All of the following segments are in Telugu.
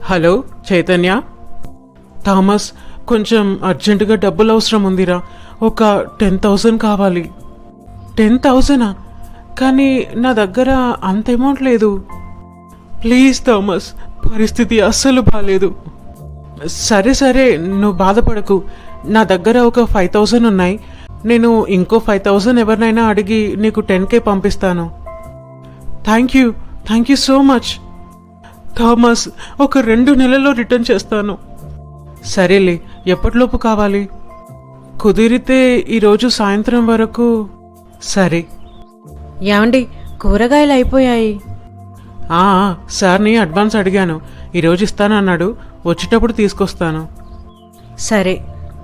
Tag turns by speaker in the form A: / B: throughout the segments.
A: హలో చైతన్య. థామస్, కొంచెం అర్జెంటుగా డబ్బులు అవసరం ఉందిరా. ఒక 10,000 కావాలి. 10,000? కానీ నా దగ్గర అంత అమౌంట్ లేదు. ప్లీజ్ థామస్, పరిస్థితి అస్సలు బాగాలేదు. సరే సరే, నువ్వు బాధపడకు. నా దగ్గర ఒక 5,000 ఉన్నాయి. నేను ఇంకో 5,000 ఎవరినైనా అడిగి నీకు 10K పంపిస్తాను. Thank you so much Thomas. ఒక 2 నెలల్లో రిటర్న్ చేస్తాను. సరేలే, ఎప్పటిలోపు కావాలి? కుదిరితే ఈరోజు సాయంత్రం వరకు. సరే.
B: ఏమండి, కూరగాయలు అయిపోయాయి.
A: సార్ని అడ్వాన్స్ అడిగాను. ఈరోజు ఇస్తానన్నాడు. వచ్చేటప్పుడు తీసుకొస్తాను.
B: సరే.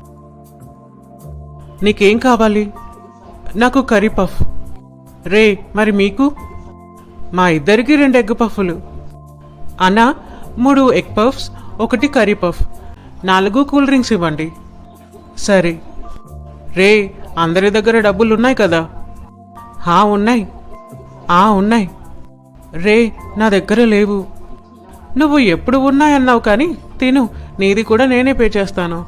A: నీకేం కావాలి? నాకు కర్రీ పఫ్. రే, మరి మీకు? మా ఇద్దరికి 2 ఎగ్ పఫ్లు. అన్నా, 3 egg puffs, 1 curry puff, 4 cool drinks ఇవ్వండి. సరే. రే, అందరి దగ్గర డబ్బులు ఉన్నాయి కదా? ఉన్నాయి. ఉన్నాయి. రే, నా దగ్గర లేవు. నువ్వు ఎప్పుడు ఉన్నాయన్నావు కానీ తిను, నీది కూడా నేనే పే చేస్తాను.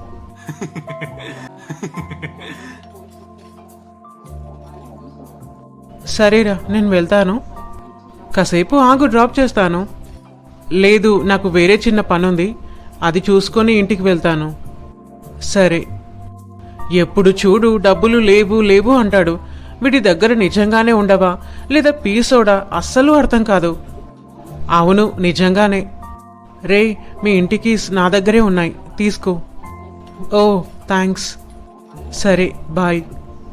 A: సరేరా, నేను వెళ్తాను. కాసేపు ఆగు, డ్రాప్ చేస్తాను. లేదు, నాకు వేరే చిన్న పనుంది, అది చూసుకొని ఇంటికి వెళ్తాను. సరే. ఎప్పుడు చూడు డబ్బులు లేవు లేవు అంటాడు. వీడి దగ్గర నిజంగానే ఉండవా లేదా పీసోడా అస్సలు అర్థం కాదు. అవును, నిజంగానే. రే, మీ ఇంటికి నా దగ్గరే ఉన్నాయి, తీసుకో. Oh thanks. సరే, బాయ్.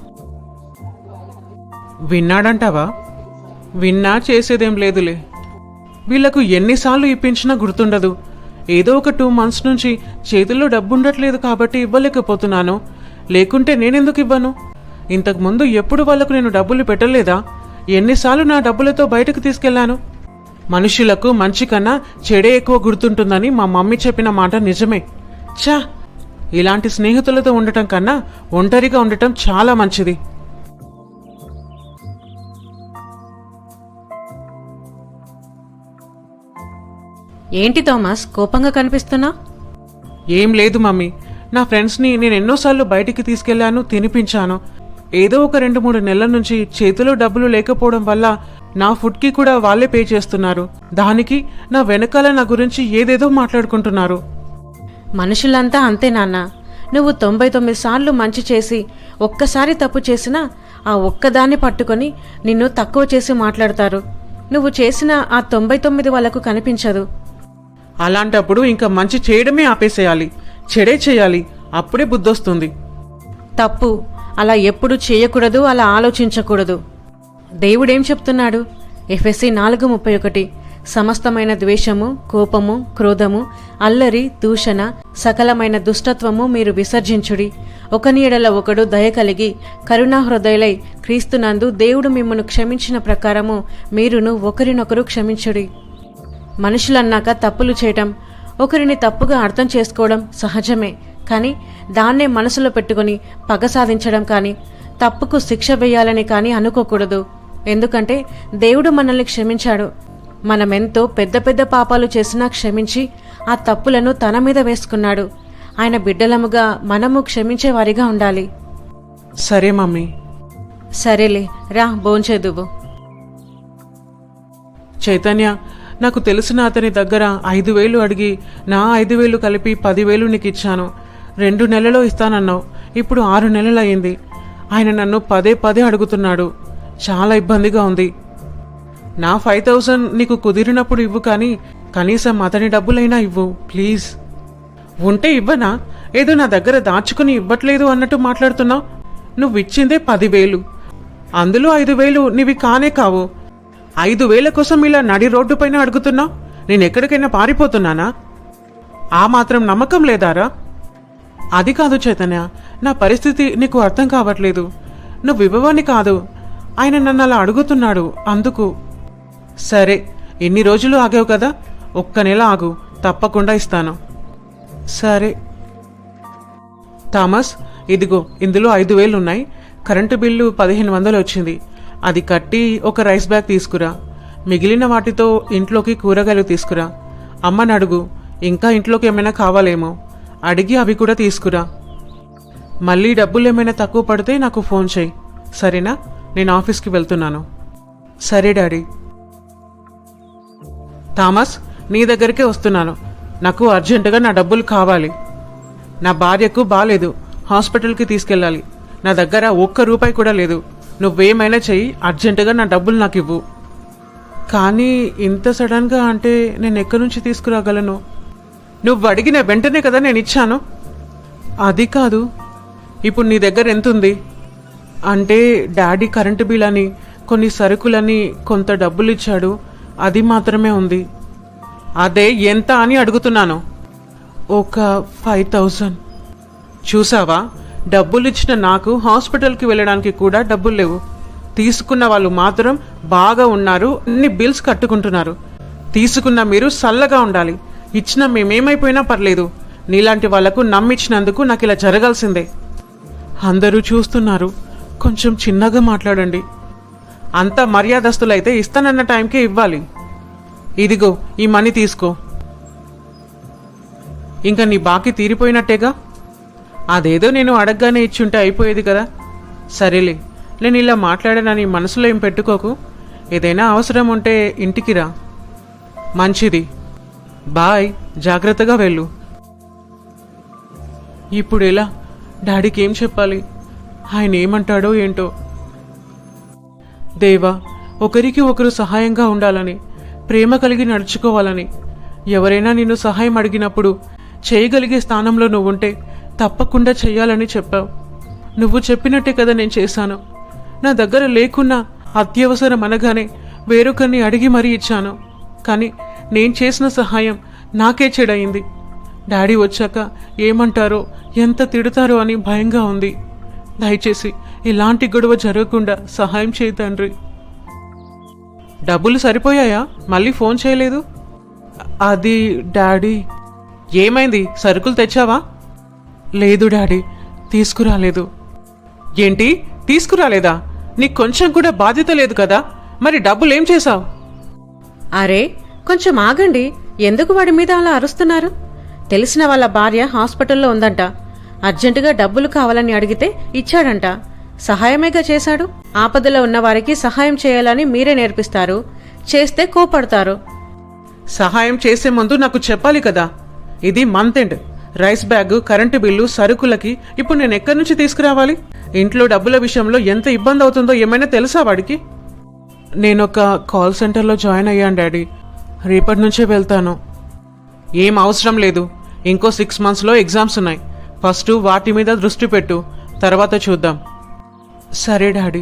A: విన్నాడంటావా? విన్నా చేసేదేం లేదులే. వీళ్లకు ఎన్నిసార్లు ఇప్పించినా గుర్తుండదు. ఏదో ఒక 2 months నుంచి చేతుల్లో డబ్బు ఉండట్లేదు కాబట్టి ఇవ్వలేకపోతున్నాను. లేకుంటే నేనెందుకు ఇవ్వను? ఇంతకుముందు ఎప్పుడు వాళ్లకు నేను డబ్బులు పెట్టలేదా? ఎన్నిసార్లు నా డబ్బులతో బయటకు తీసుకెళ్లాను? మనుషులకు మంచి కన్నా చెడే ఎక్కువ గుర్తుంటుందని మా మమ్మీ చెప్పిన మాట నిజమే. ఛా, ఇలాంటి స్నేహితులతో ఉండటం కన్నా ఒంటరిగా ఉండటం చాలా మంచిది.
B: ఏంటి థామస్, కోపంగా కనిపిస్తున్నా?
A: ఏం లేదు మమ్మీ. నా ఫ్రెండ్స్ని నేను ఎన్నోసార్లు బయటికి తీసుకెళ్లాను, తినిపించాను. ఏదో ఒక 2-3 నెలల నుంచి చేతిలో డబ్బులు లేకపోవడం వల్ల నా ఫుడ్కి కూడా వాళ్ళే పే చేస్తున్నారు. దానికి నా వెనకాల నా గురించి ఏదేదో మాట్లాడుకుంటున్నారు.
B: మనుషులంతా అంతే నాన్న. నువ్వు 99 సార్లు మంచి చేసి ఒక్కసారి తప్పు చేసినా ఆ ఒక్కదాన్ని పట్టుకొని నిన్ను తక్కువ చేసి మాట్లాడతారు. నువ్వు చేసిన ఆ 99 వాళ్ళకు కనిపించదు.
A: అలాంటప్పుడు ఇంకా మంచి చేయడమే ఆపేసేయాలి, చెడే చేయాలి. అప్పుడే బుద్ధొస్తుంది.
B: తప్పు అలా ఎప్పుడు చేయకూడదు, అలా ఆలోచించకూడదు. దేవుడేం చెప్తున్నాడు? ఎఫెసీ 4:31, సమస్తమైన ద్వేషము, కోపము, క్రోధము, అల్లరి, దూషణ, సకలమైన దుష్టత్వము మీరు విసర్జించుడి. ఒకని ఎడల ఒకడు దయ కలిగి కరుణాహృదయులై క్రీస్తునందు దేవుడు మిమ్మను క్షమించిన ప్రకారము మీరును ఒకరినొకరు క్షమించుడి. మనుషులన్నాక తప్పులు చేయటం, ఒకరిని తప్పుగా అర్థం చేసుకోవడం సహజమే. కానీ దాన్నే మనసులో పెట్టుకుని పగ సాధించడం కానీ, తప్పుకు శిక్ష వేయాలని కానీ అనుకోకూడదు. ఎందుకంటే దేవుడు మనల్ని క్షమించాడు. మనమెంతో పెద్ద పెద్ద పాపాలు చేసినా క్షమించి ఆ తప్పులను తన మీద వేసుకున్నాడు. ఆయన బిడ్డలముగా మనము క్షమించేవారిగా ఉండాలి.
A: సరే మమ్మీ.
B: సరేలే, రా భోంచేదువు.
A: చైతన్య, నాకు తెలిసిన అతని దగ్గర 5,000 అడిగి నా 5,000 కలిపి 10,000 నీకు ఇచ్చాను. 2 నెలల్లో ఇస్తానన్నావు. ఇప్పుడు 6 నెలలు అయింది. ఆయన నన్ను పదే అడుగుతున్నాడు. చాలా ఇబ్బందిగా ఉంది. నా 5,000 నీకు కుదిరినప్పుడు ఇవ్వు, కానీ కనీసం అతని డబ్బులైనా ఇవ్వు ప్లీజ్. ఉంటే ఇవ్వనా? ఏదో నా దగ్గర దాచుకుని ఇవ్వట్లేదు అన్నట్టు మాట్లాడుతున్నావు. నువ్వు ఇచ్చిందే 10,000, అందులో 5,000 నీవి కానే కావు. 5,000 కోసం ఇలా నడి రోడ్డు పైన అడుగుతున్నావు. నేను ఎక్కడికైనా పారిపోతున్నానా? ఆ మాత్రం నమ్మకం లేదారా? అది కాదు చైతన్య, నా పరిస్థితి నీకు అర్థం కావట్లేదు. నువ్వు ఇవ్వవని కాదు, ఆయన నన్ను అలా అడుగుతున్నాడు, అందుకు. సరే, ఎన్ని రోజులు ఆగావు కదా, 1 నెల ఆగు, తప్పకుండా ఇస్తాను. సరే. థామస్, ఇదిగో, ఇందులో 5,000 ఉన్నాయి. కరెంటు బిల్లు 1,500 వచ్చింది. అది కట్టి ఒక రైస్ బ్యాగ్ తీసుకురా. మిగిలిన వాటితో ఇంట్లోకి కూరగాయలు తీసుకురా. అమ్మని అడుగు, ఇంకా ఇంట్లోకి ఏమైనా కావాలేమో అడిగి అవి కూడా తీసుకురా. మళ్ళీ డబ్బులు ఏమైనా తక్కువ పడితే నాకు ఫోన్ చేయి, సరేనా? నేను ఆఫీస్కి వెళ్తున్నాను. సరే డాడీ. థామస్, నీ దగ్గరికే వస్తున్నాను. నాకు అర్జెంటుగా నా డబ్బులు కావాలి. నా భార్యకు బాలేదు, హాస్పిటల్కి తీసుకెళ్ళాలి. నా దగ్గర ఒక్క రూపాయి కూడా లేదు. నువ్వేమైనా చెయ్యి, అర్జెంటుగా నా డబ్బులు నాకు ఇవ్వు. కానీ ఇంత సడన్గా అంటే నేను ఎక్కడి నుంచి తీసుకురాగలను? నువ్వు అడిగిన వెంటనే కదా నేను ఇచ్చాను. అది కాదు, ఇప్పుడు నీ దగ్గర ఎంత ఉంది? అంటే డాడీ కరెంటు బిల్ అని, కొన్ని సరుకులని, కొంత డబ్బులు ఇచ్చాడు, అది మాత్రమే ఉంది. అదే ఎంత అని అడుగుతున్నాను. ఒక 5,000. చూసావా, డబ్బులు ఇచ్చిన నాకు హాస్పిటల్కి వెళ్ళడానికి కూడా డబ్బులు లేవు. తీసుకున్న వాళ్ళు మాత్రం బాగా ఉన్నారు, అన్ని బిల్స్ కట్టుకుంటున్నారు. తీసుకున్న మీరు సల్లగా ఉండాలి. ఇచ్చిన మేమేమైపోయినా పర్లేదు. నీలాంటి వాళ్లకు నమ్మిచ్చినందుకు నాకు ఇలా జరగాల్సిందే. అందరూ చూస్తున్నారు, కొంచెం చిన్నగా మాట్లాడండి. అంత మర్యాదస్తులైతే ఇస్తానన్న టైంకే ఇవ్వాలి. ఇదిగో ఈ మనీ తీసుకో. ఇంకా నీ బాకీ తీరిపోయినట్టేగా. అదేదో నేను అడగగానే ఇచ్చుంటే అయిపోయేది కదా. సరేలే, నేను ఇలా మాట్లాడానని మనసులో ఏం పెట్టుకోకు. ఏదైనా అవసరం ఉంటే ఇంటికి రా. మంచిది, బాయ్. జాగ్రత్తగా వెళ్ళు. ఇప్పుడు ఎలా? డాడీకి ఏం చెప్పాలి? ఆయన ఏమంటాడో ఏంటో. దేవా, ఒకరికి ఒకరు సహాయంగా ఉండాలని, ప్రేమ కలిగి నడుచుకోవాలని, ఎవరైనా నిన్ను సహాయం అడిగినప్పుడు చేయగలిగే స్థానంలో నువ్వుంటే తప్పకుండా చెయ్యాలని చెప్పావు. నువ్వు చెప్పినట్టే కదా నేను చేశాను. నా దగ్గర లేకున్నా అత్యవసరం అనగానే వేరొకరిని అడిగి మరీ ఇచ్చాను. కానీ నేను చేసిన సహాయం నాకే చెడయింది. డాడీ వచ్చాక ఏమంటారో, ఎంత తిడతారో అని భయంగా ఉంది. దయచేసి ఇలాంటి గొడవ జరగకుండా సహాయం చేయి తండ్రి. డబ్బులు సరిపోయాయా? మళ్ళీ ఫోన్ చేయలేదు. అది డాడీ. ఏమైంది? సరుకులు తెచ్చావా? లేదు డాడీ, తీసుకురాలేదు. ఏంటి, తీసుకురాలేదా? నీకు కొంచెం కూడా బాధ్యత లేదు కదా? మరి డబ్బులు ఏం చేశావు?
B: అరే, కొంచెం ఆగండి. ఎందుకు వాడి మీద అలా అరుస్తున్నారు? తెలిసిన వాళ్ళ భార్య హాస్పిటల్లో ఉందంట. అర్జెంటుగా డబ్బులు కావాలని అడిగితే ఇచ్చాడంట. సహాయమేగా చేశాడు. ఆపదలో ఉన్న వారికి సహాయం చేయాలని మీరే నేర్పిస్తారు, చేస్తే కోపడతారు.
A: సహాయం చేసే ముందు నాకు చెప్పాలి కదా. ఇది month end. Rice bag, current bill, సరుకులకి ఇప్పుడు నేను ఎక్కడి నుంచి తీసుకురావాలి? ఇంట్లో డబ్బుల విషయంలో ఎంత ఇబ్బంది అవుతుందో ఏమైనా తెలుసా వాడికి? నేనొక కాల్ సెంటర్లో జాయిన్ అయ్యాను డాడీ. రేపటి నుంచే వెళ్తాను. ఏం అవసరం లేదు. ఇంకో 6 monthsలో ఎగ్జామ్స్ ఉన్నాయి. ఫస్ట్ వాటి మీద దృష్టి పెట్టు, తర్వాత చూద్దాం. సరే డాడీ.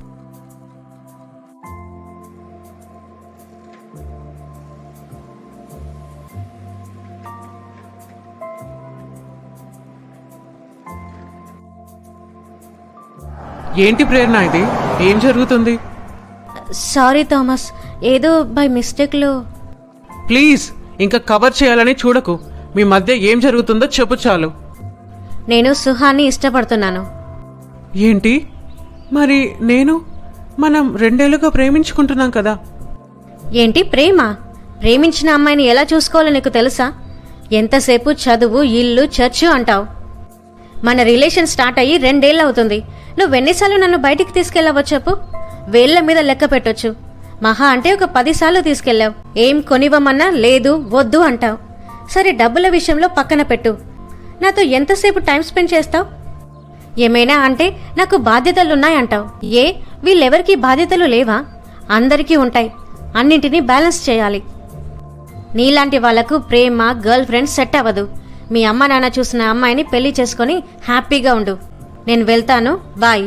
A: ఏంటి ప్రేరణ ఇది? ఏం జరుగుతుంది?
C: సారీ థామస్, ఏదో బై మిస్టేక్లో.
A: ప్లీజ్ ఇంకా కవర్ చేయాలని చూడకు. మీ మధ్య ఏం జరుగుతుందో చెప్పు చాలు.
C: నేను సుహాన్ని ఇష్టపడుతున్నాను.
A: ఏంటి? మరి నేను? మనం 2 ఏళ్లుగా ప్రేమించుకుంటున్నాం కదా.
C: ఏంటి ప్రేమ? ప్రేమించిన అమ్మాయిని ఎలా చూసుకోవాలో నీకు తెలుసా? ఎంతసేపు చదువు, ఇల్లు, చర్చు అంటావు. మన రిలేషన్ స్టార్ట్ అయ్యి 2 ఏళ్ళు అవుతుంది. నువ్వెన్నిసార్లు నన్ను బయటికి తీసుకెళ్ళావో చెప్పు. వేళ్ల మీద లెక్క పెట్టొచ్చు. మహా అంటే ఒక 10 సార్లు తీసుకెళ్ళావు. ఏం కొనివ్వమన్నా లేదు, వద్దు అంటావు. సరే, డబ్బుల విషయంలో పక్కన పెట్టు. నాతో ఎంతసేపు టైం స్పెండ్ చేస్తావు? ఏమైనా అంటే నాకు బాధ్యతలున్నాయంటావు. వీళ్ళెవరికీ బాధ్యతలు లేవా? అందరికీ ఉంటాయి. అన్నింటినీ బ్యాలెన్స్ చేయాలి. నీలాంటి వాళ్లకు ప్రేమ, గర్ల్ ఫ్రెండ్ సెట్ అవ్వదు. మీ అమ్మ నాన్న చూసిన అమ్మాయిని పెళ్లి చేసుకొని హ్యాపీగా ఉండు. నేను వెళ్తాను, బాయ్.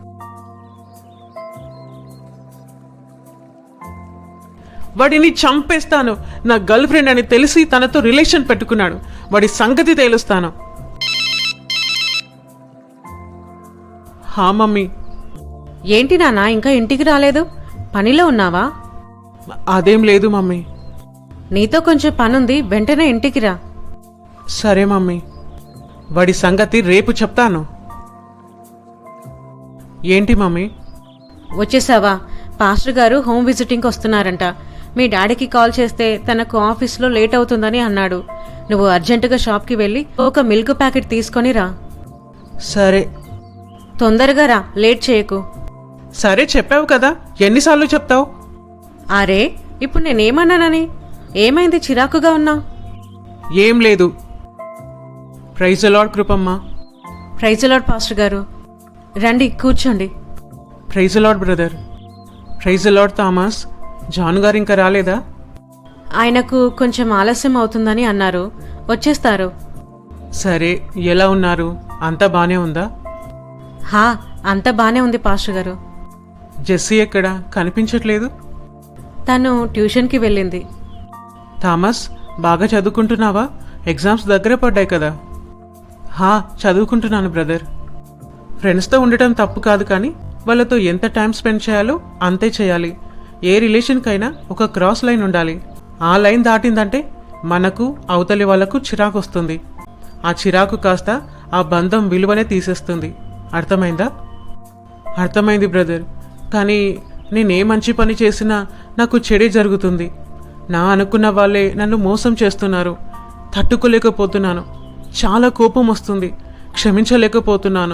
A: వాడిని చంపేస్తాను. నా గర్ల్ ఫ్రెండ్ అని తెలిసి తనతో రిలేషన్ పెట్టుకున్నాడు. వాడి సంగతి తేలుస్తాను. హా మమ్మీ.
B: ఏంటి నాన్న, ఇంకా ఇంటికి రాలేదు? పనిలో ఉన్నావా?
A: అదేం లేదు మమ్మీ.
B: నీతో కొంచెం పనుంది, వెంటనే ఇంటికి రా.
A: సరే మమ్మీ. వాడి సంగతి రేపు చెప్తాను. ఏంటి మమ్మీ?
B: వచ్చేసావా? పాస్టర్ గారు హోమ్ విజిటింగ్కి వస్తున్నారంట. మీ డాడీకి కాల్ చేస్తే తనకు ఆఫీస్లో లేట్ అవుతుందని అన్నాడు. నువ్వు అర్జెంటుగా షాప్కి వెళ్ళి ఒక మిల్క్ ప్యాకెట్ తీసుకొని రా.
A: సరే
B: తొందరగా రా, లేట్ చేయకు.
A: సరే చెప్పావు కదా, ఎన్నిసార్లు చెప్తావు?
B: అరే, ఇప్పుడు నేనేమన్నానని? ఏమైంది చిరాకుగా ఉన్నావు?
A: ఏం లేదు. ప్రైజ్ ది లార్డ్ కృపమ్మ.
B: ప్రైజ్ ది లార్డ్ పాస్టర్ గారు. రండి కూర్చోండి.
A: Praise the lord brother. Praise the lord Thomas. John గారు ఇంకా రాలేదా?
B: ఆయనకు కొంచెం ఆలస్యం అవుతుందని అన్నారు, వచ్చేస్తారు.
A: సరే, ఎలా ఉన్నారు? అంతా బానే ఉందా?
B: హా, అంత బానే ఉంది పాస్టర్ గారు.
A: జెస్సీ ఎక్కడ కనిపించట్లేదు?
B: తను ట్యూషన్కి వెళ్ళింది.
A: థామస్, బాగా చదువుకుంటున్నావా? ఎగ్జామ్స్ దగ్గర పడ్డాయి కదా. హా, చదువుకుంటున్నాను బ్రదర్. ఫ్రెండ్స్తో ఉండటం తప్పు కాదు, కానీ వాళ్ళతో ఎంత టైం స్పెండ్ చేయాలో అంతే చేయాలి. ఏ రిలేషన్కైనా ఒక క్రాస్ లైన్ ఉండాలి. ఆ లైన్ దాటిందంటే మనకు అవతలి వాళ్ళకు చిరాకు వస్తుంది. ఆ చిరాకు కాస్త ఆ బంధం విలువనే తీసేస్తుంది. అర్థమైందా? అర్థమైంది బ్రదర్. కానీ నేనే మంచి పని చేసినా నాకు చెడే జరుగుతుంది. నా అనుకున్న వాళ్ళే నన్ను మోసం చేస్తున్నారు. తట్టుకోలేకపోతున్నాను. చాలా కోపం వస్తుంది. క్షమించలేకపోతున్నాను.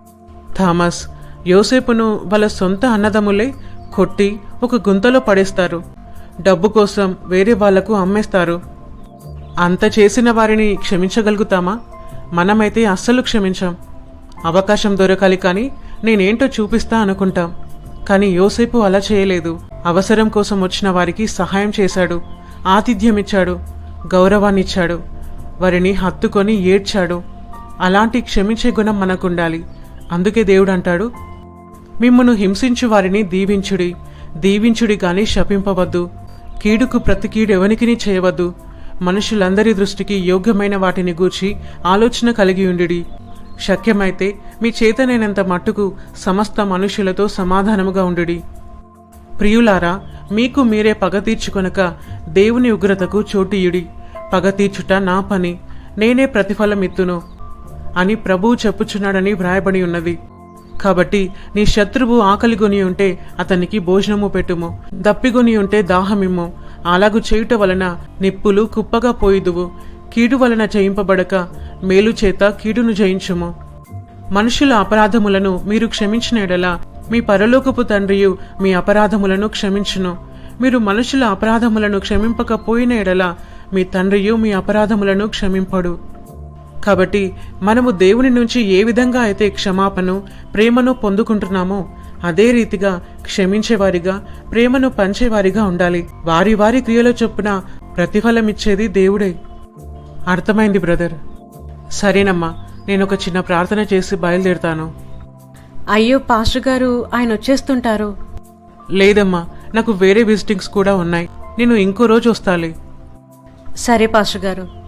A: థామస్, యోసేపును వాళ్ళ సొంత అన్నదమ్ములే కొట్టి ఒక గుంతలో పడేస్తారు. డబ్బు కోసం వేరే వాళ్లకు అమ్మేస్తారు. అంత చేసిన వారిని క్షమించగలుగుతామా? మనమైతే అస్సలు క్షమించాం. అవకాశం దొరకాలి కానీ నేనేంటో చూపిస్తా అనుకుంటాం. కానీ యోసేపు అలా చేయలేదు. అవసరం కోసం వచ్చిన వారికి సహాయం చేశాడు, ఆతిథ్యమిచ్చాడు, గౌరవాన్నిచ్చాడు, వారిని హత్తుకొని ఏడ్చాడు. అలాంటి క్షమించే గుణం మనకుండాలి. అందుకే దేవుడు అంటాడు, మిమ్మును హింసించు వారిని దీవించుడి, దీవించుడి గాని శపింపవద్దు. కీడుకు ప్రతి కీడు ఎవనికిని చేయవద్దు. మనుషులందరి దృష్టికి యోగ్యమైన వాటిని గూర్చి ఆలోచన కలిగి ఉండుడి. శక్యమైతే మీ చేతనైనంత మట్టుకు సమస్త మనుషులతో సమాధానముగా ఉండుడి. ప్రియులారా, మీకు మీరే పగ తీర్చుకొనక దేవుని ఉగ్రతకు చోటియుడి. పగ తీర్చుట నా పని, నేనే ప్రతిఫలమిత్తును అని ప్రభువు చెప్పుచున్నాడని వ్రాయబడి ఉన్నది. కాబట్టి నీ శత్రువు ఆకలిగొని ఉంటే అతనికి భోజనము పెట్టుము, దప్పిగొని ఉంటే దాహమిమ్ము. అలాగు చేయుట వలన నిప్పులు కుప్పగా పోయిదువు. కీడు వలన జయింపబడక మేలు చేత కీడును జయించుము. మనుషుల అపరాధములను మీరు క్షమించిన ఎడల మీ పరలోకపు తండ్రియు మీ అపరాధములను క్షమించును. మీరు మనుషుల అపరాధములను క్షమింపకపోయిన ఎడల మీ తండ్రియు మీ అపరాధములను క్షమింపడు. కాబట్టి మనము దేవుని నుంచి ఏ విధంగా అయితే క్షమాపణను, ప్రేమను పొందుకుంటున్నామో అదే రీతిగా క్షమించేవారిగా, ప్రేమను పంచేవారిగా ఉండాలి. వారి వారి క్రియల చొప్పున ప్రతిఫలమిచ్చేది దేవుడే. అర్థమైంది బ్రదర్. సరేనమ్మా, నేను ఒక చిన్న ప్రార్థన చేసి బయలుదేరుతాను.
B: అయ్యో పాస్టర్ గారు, ఆయన వచ్చేస్తుంటారు.
A: లేదమ్మా, నాకు వేరే విజిటింగ్స్ కూడా ఉన్నాయి. నేను ఇంకో రోజు వస్తాలే.
B: సరే పాస్టర్ గారు.